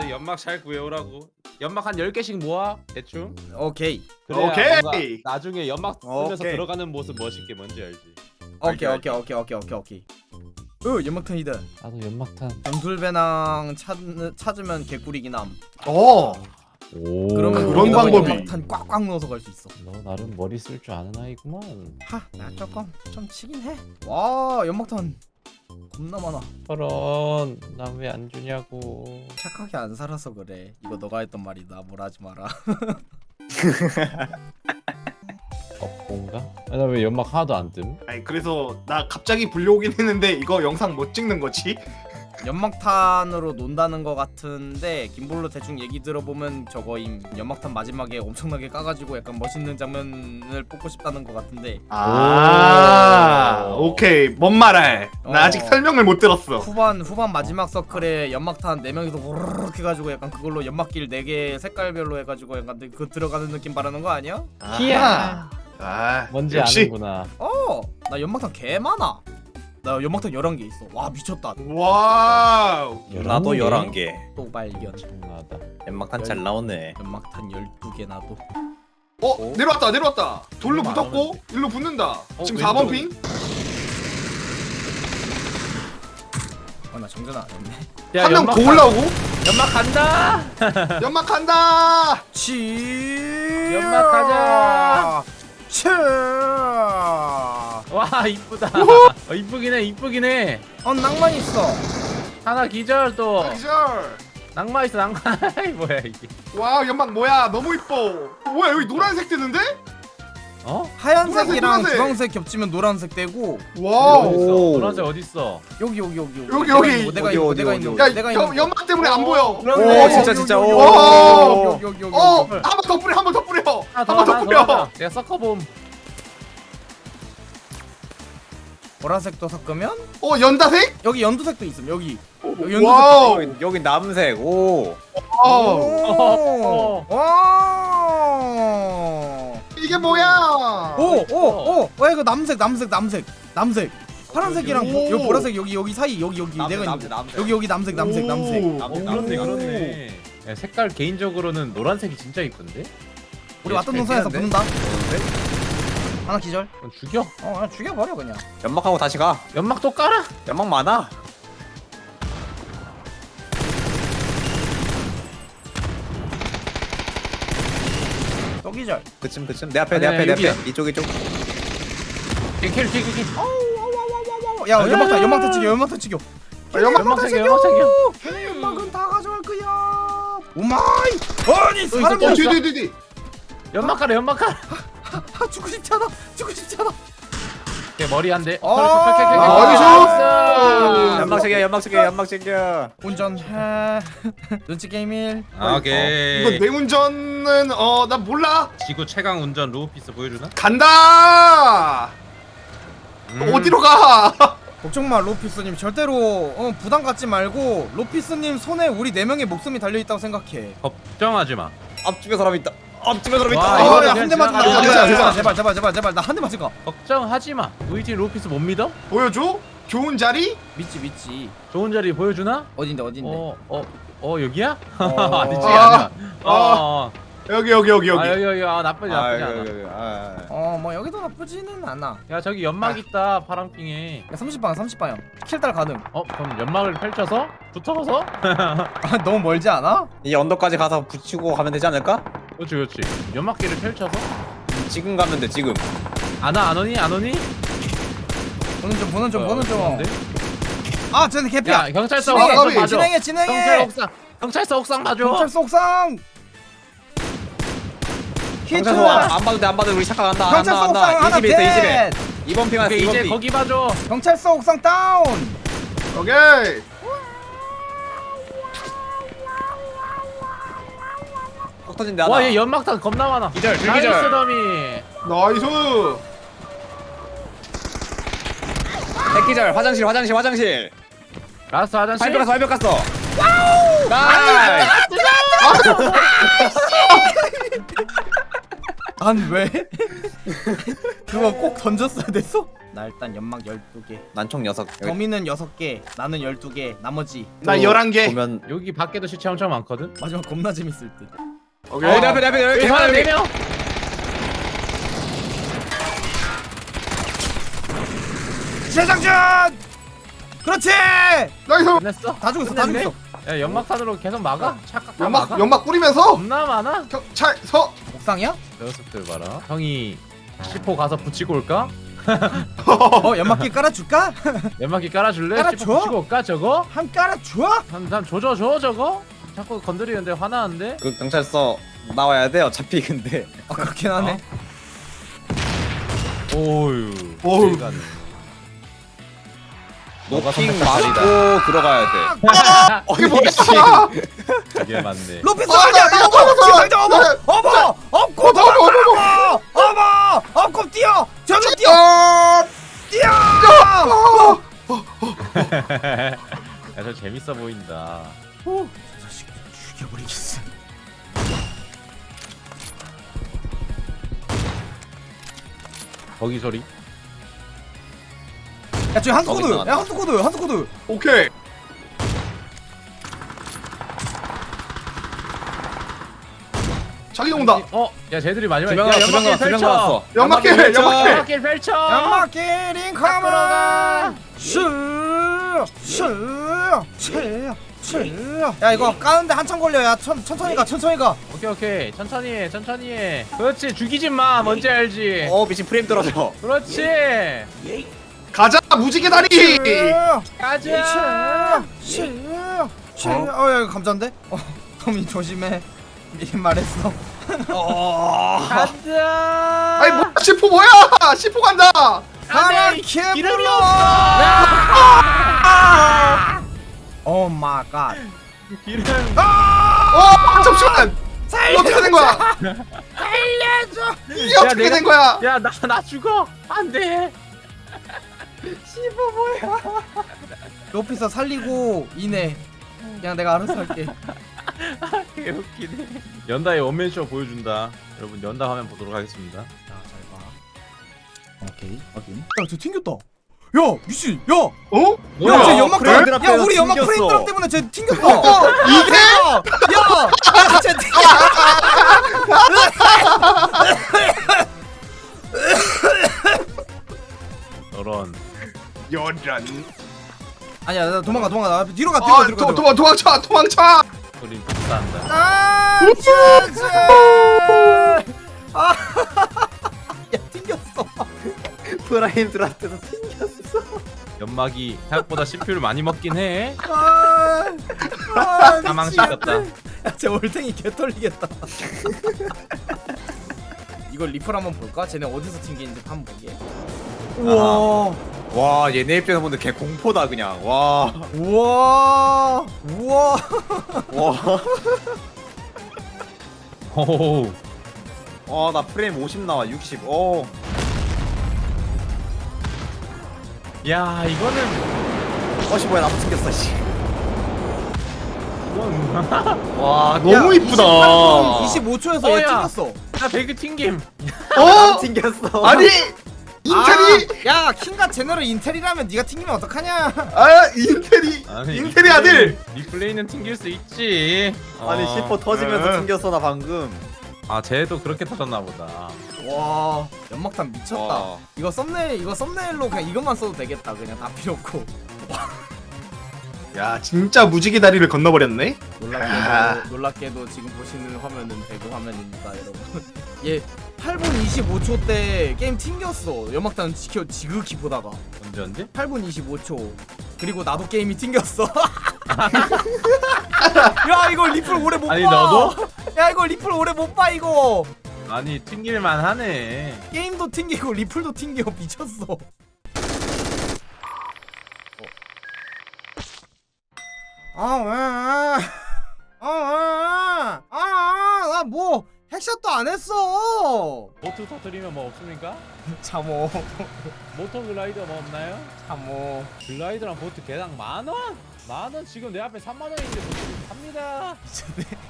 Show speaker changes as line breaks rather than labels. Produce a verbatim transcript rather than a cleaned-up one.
아 연막 잘 구해오라고. 연막 한 열 개씩 모아 대충.
오케이
그래야
오케이.
뭔가 나중에 연막 쓰면서
오케이.
들어가는 모습 멋있게 뭔지 알지.
오케이
알게,
오케이 오케이 오케이 오케이 오케이 으 연막탄이다.
나도 연막탄.
전술배낭 찾, 찾으면 개꿀이긴 함.
어.
오.
그러면
그런
거기다가
방법이.
연막탄 꽉꽉 넣어서 갈 수 있어.
너 나름 머리 쓸 줄 아는 아이구만.
하, 나 조금 좀 치긴 해. 와 연막탄 겁나 많아.
저런 난 왜 안 주냐고.
착하게 안 살아서 그래. 이거 너가 했던 말이다. 뭘 하지 마라.
업고인가? 아, 나 왜 연막 하나도 안 뜸?
아니 그래서 나 갑자기 불려오긴 했는데 이거 영상 못 찍는 거지?
연막탄으로 논다는 거 같은데 김볼로 대충 얘기 들어보면 저거임. 연막탄 마지막에 엄청나게 까가지고 약간 멋있는 장면을 뽑고 싶다는 거 같은데
아
오.
오케이 뭔 말해? 나
어.
아직 설명을 못 들었어.
후반 후반 마지막 서클에 연막탄 네 명이서 우르르 해가지고 약간 그걸로 연막길 네 개 색깔별로 해가지고 약간 그 들어가는 느낌 바라는 거 아니야?
히야.
아
뭔지
역시.
아는구나.
어, 나 연막탄 개 많아. 나 연막탄 열한 개 있어. 와 미쳤다.
와우.
나도 열한 개.
또 발견.
엄청나다.
연막탄 잘 나오네.
연막탄 열두 개 나도.
어 내려왔다 내려왔다. 돌로
얼마 안
붙었고 일로 붙는다.
어,
지금
왼쪽.
사 번 핑.
어, 나 정전 안 했네.
한 명 더
연막탄.
올라오고.
연막 간다.
연막 간다.
치.
연막 가자.
치.
와 이쁘다. 어, 이쁘긴 해 이쁘긴 해.
어 낭만 있어.
하나 기절 또.
기절.
낭만 있어 낭만. 뭐야 이게.
와 연막 뭐야 너무 이뻐. 뭐야 여기 노란색 뜨는데?
어?
하얀색이랑
노란색, 노란색.
주황색 겹치면 노란색 되고
와우.
어디 있어?
오.
노란색 어디 있어?
여기 여기 여기
여기, 여기.
내가
어디,
있는
어디,
내가
어디,
있는
어디.
거,
야
내가 있는
연,
거.
연막 때문에 안 보여.
오
그러네.
진짜
여기,
진짜
여기,
오.
오.
여기 여기 여기
어,
여기.
한 번 더 뿌려, 한 번 더 뿌려.
하나
한
더
번 더
하나 더
뿌려.
하나. 내가 섞어봄.
보라색도 섞으면
어, 연다색?
여기 연두색도 있음. 여기. 여기 연두색.
와우.
여기, 여기 남색. 오.
와우.
오. 와.
이게 뭐야?
오, 오, 오. 와 이거 남색, 남색, 남색, 남색. 파란색이랑
오.
보, 여기 보라색 여기 여기 사이 여기 여기
남색,
내가
남색,
있는
남색.
여기 여기 남색, 남색,
오.
남색.
오,
남색,
그렇네
남색.
그렇네. 야, 색깔 개인적으로는 노란색이 진짜 이쁜데?
우리
얘
왔던
잘
동선에서
피하는데?
붙는다. 하나 기절.
그럼 죽여.
어, 그냥 죽여버려 그냥.
연막하고 다시 가.
연막 또 깔아.
연막 많아.
또 기절.
그쯤 그쯤 내 앞에 내
아니야,
앞에 내
여기야.
앞에 이쪽 이쪽.
킬킬킬킬.
야 연막탄, 연막탄 찍여, 연막탄 찍여.
아, 연막
연막색이야 연막색이야.
걔네 연막은 다 가져갈 거야. 오마이. 아니
또 있어,
사람이
또
어,
있어.
뒤, 뒤, 뒤, 뒤.
연막 깔아 연막 깔아.
아, 죽고 싶지 않아. 죽고 싶지 않아.
걔 머리 한 대.
어.
나이스.
연막 챙겨 연막 챙겨 연막 챙겨.
운전해. 눈치 게임일.
오케이.
이거 내 운전은 어, 나 몰라.
지구 최강 운전 루피스 보여주나?
간다.
음.
어디로 가?
걱정 마 로피스님. 절대로 어, 부담 갖지 말고 로피스님 손에 우리 네 명의 목숨이 달려 있다고 생각해.
걱정하지 마.
앞집에 사람 있다. 앞집에 사람
와,
있다.
이거
아,
그냥
한 대만
지나가자.
아,
괜찮아, 괜찮아.
제발 제발 제발 제발 나 한 대만 찍어.
걱정하지 마. 우리 팀 루피스 못 믿어?
보여줘? 좋은 자리?
믿지 믿지.
좋은 자리 보여주나?
어딘데 어딘데.
어, 어, 어 여기야?
어.
아니지
아.
아니야. 어, 어.
여기, 여기, 여기, 여기.
아 여기 여기 아 나쁘지
아,
나쁘지
여기,
않아.
여기, 여기. 아,
어 뭐 여기도 나쁘지는 않아.
야 저기 연막 있다 파랑핑에.
야, 삼십 방향 삼십 방향. 킬달 가능.
어 그럼 연막을 펼쳐서 붙어서?
아, 너무 멀지 않아?
이 언덕까지 가서 붙이고 가면 되지 않을까?
그렇지 그렇지. 연막기를 펼쳐서?
지금 가면 돼 지금.
안와 안 오니 안 오니?
보는 좀 보는 좀
어,
보는 좀.
좋은데?
아 쟤네 개피야.
야 경찰서
진행해,
옥상
진행해,
봐줘.
진행해 진행해.
경찰 옥상 경찰서 옥상 봐줘.
경찰서 옥상. 히트.
경찰서 안, 안 봐도 돼안 봐도 돼. 우리 잠깐 간다.
경찰서
간다
옥상
간다.
하나
이 집에 있어 이 집에.
셋.
이번 핑 왔어
오케이,
이번
이제
핑.
거기 봐줘.
경찰서 옥상 다운.
오케이.
폭 터진대 하나.
와얘 연막탄 겁나 많아.
기절,
나이스
불기절.
더미.
나이스.
백기절 화장실 화장실 화장실.
라스트 화장실.
발벽 갔어 발벽 갔어. 와우. 나이스.
난 왜? 그거 꼭 던졌어야 됐어? 나이스. 일단 연막 열두 개.
난 총 여섯.
범인은 여섯 개, 나는 열두 개, 나머지
나 열한 개.
보면
여기 밖에도 시체 엄청 많거든.
마지막 겁나 재밌을 듯.
오케이.
어, 내 앞에 내 앞에 여기
사람
여기.
네 명.
재장전! 그렇지!
나이스.
끝냈어?
다 죽었어, 다
끝냈네?
죽었어.
야 연막탄으로 계속 막아? 착각 다
연막
막아?
연막 뿌리면서
겁나 많아?
경찰서.
옥상이야?
녀석들 봐라. 형이 시포 가서 붙이고 올까?
어, 연막길 깔아줄까?
연막기 깔아줄래?
깔아줘?
시포 붙이고 올까 저거?
한 깔아줘?
한, 한 조져 줘 저거? 자꾸 건드리는데 화나는데?
그 경찰서 나와야 돼. 어차피 근데.
아, 그렇긴 하네.
오유.
오우.
세간에. 너가
노핑
선택한 자리다.
맞고 들어가야 돼.
이게 뭐야?
이게 맞네.
로피스
아,
아니야!
나, 나,
어머!
나, 나,
재장전 어머!
나,
어머! 업고
어머, 어머, 어머,
도망가! 어머! 업고 뛰어! 저로 뛰어!
아,
뛰어!
아.
야, 저 재밌어 보인다.
오, 저 자식 죽여버리겠어.
거기 소리.
야, 저기 한수
거기
코드!
나간다.
야, 한수 코드! 한수 코드!
오케이. 자기 온다.
어, 야, 쟤들이 마지막에
두명
야,
나왔어. 두명
연막길
나왔어. 두명
펼쳐.
나왔어.
연막길,
펼쳐.
연막길.
연막길 펼쳐.
연막길 인카메라!
들어가.
슈! 슈! 슈! 슈! 야, 이거 까는데 한참 걸려. 야, 천, 천천히 가, 천천히 가.
오케이 오케이 천천히 해 천천히 해. 그렇지 죽이지 마. 뭔지 알지.
어 미친 프레임 떨어져.
그렇지.
가자 무지개 다리.
가자.
슈! 슈! 어, 야, 이거 감자인데? 어, 범인 조심해. 미리 말했어.
가자.
아니 뭐야 시포 뭐야? 시포 간다.
가라,
안돼. 기름이
개불어! 오 마이 갓.
기름.
어 잠시만. 이거 어떻게 된 거야?
알려줘!
이게
야,
어떻게
내가-
된 거야?
야 나 나 죽어. 안돼.
로피서 살리고 이내. 그냥 내가 알아서 할게.
개웃기네. 연다의 원맨쇼 보여준다. 여러분 연다 화면 보도록 하겠습니다.
자, 잘 봐. 오케이. 확인. 야, 쟤 튕겼다. 야, 미친. 야,
어?
야, 쟤 연막
프레임
드랍.
드랍
야, 우리 연막
튕겼어.
프레임 드랍 때문에 쟤 튕겼어.
어, 이게?
야, 야, 쟤 튕겨.
저런.
여란.
아니야, 나 도망가, 도망가. 나 뒤로 가, 뒤로 가,
아,
뒤로 가.
도,
뒤로 가.
도, 도망쳐, 도망쳐.
우린 복사한다.
아, 진짜. 아, 야, 튕겼어.
프레임 들어왔대서 튕겼어.
연막이 생각보다 씨피유를 많이 먹긴 해.
아, 아,
사망시켰다.
야, 쟤 올탱이 개 털리겠다. 이걸 리플 한번 볼까? 쟤네 어디서 튕기는지 한번 보게. 우와,
와 얘네 입장에서 보는데 개 공포다 그냥. 와.
우와, 우와.
와.
오.
어나 프레임 오십 나와 육십. 어.
야 이거는
어씨 뭐야 나도 튕겼어 씨.
이건
와
너무 이쁘다.
이십오 초에서 얘
어, 야.
튕겼어.
나 배그 튕김.
어?
튕겼어.
아니 인텔이.
아, 야, 킹과 제너럴 인텔이라면 네가 튕기면 어떡하냐?
아 인텔이.
아니,
인텔이 아들.
리플레이는 튕길 수 있지.
아니
어.
시퍼 터지면서
네.
튕겼어 나 방금.
아 쟤도 그렇게 터졌나 보다.
와, 연막탄 미쳤다.
와.
이거 썸네일, 이거 썸네일로 그냥 이것만 써도 되겠다. 그냥 다 필요 없고.
야 진짜 무지개 다리를 건너버렸네.
놀랍게도
아.
놀랍게도 지금 보시는 화면은 배그 화면입니다, 여러분. 얘 팔 분 이십오 초 때 게임 튕겼어. 연막탄 지켜 지극히 보다가
언제 언제?
팔 분 이십오 초. 그리고 나도 게임이 튕겼어. 야, 이거 리플 오래 못 봐.
아니, 너도?
야, 이거 리플 오래 못 봐 이거.
아니 튕길만 하네.
게임도 튕기고 리플도 튕겨. 미쳤어. 아, 왜? 아, 왜? 아, 아, 나 뭐 핵샷도 안 했어.
보트 터뜨리면 뭐 없습니까?
참어,
모터 글라이더 뭐 없나요?
참어.
글라이더랑 보트 개당 만 원? 만 원 지금 내 앞에 삼만 원인데 보트 삽니다.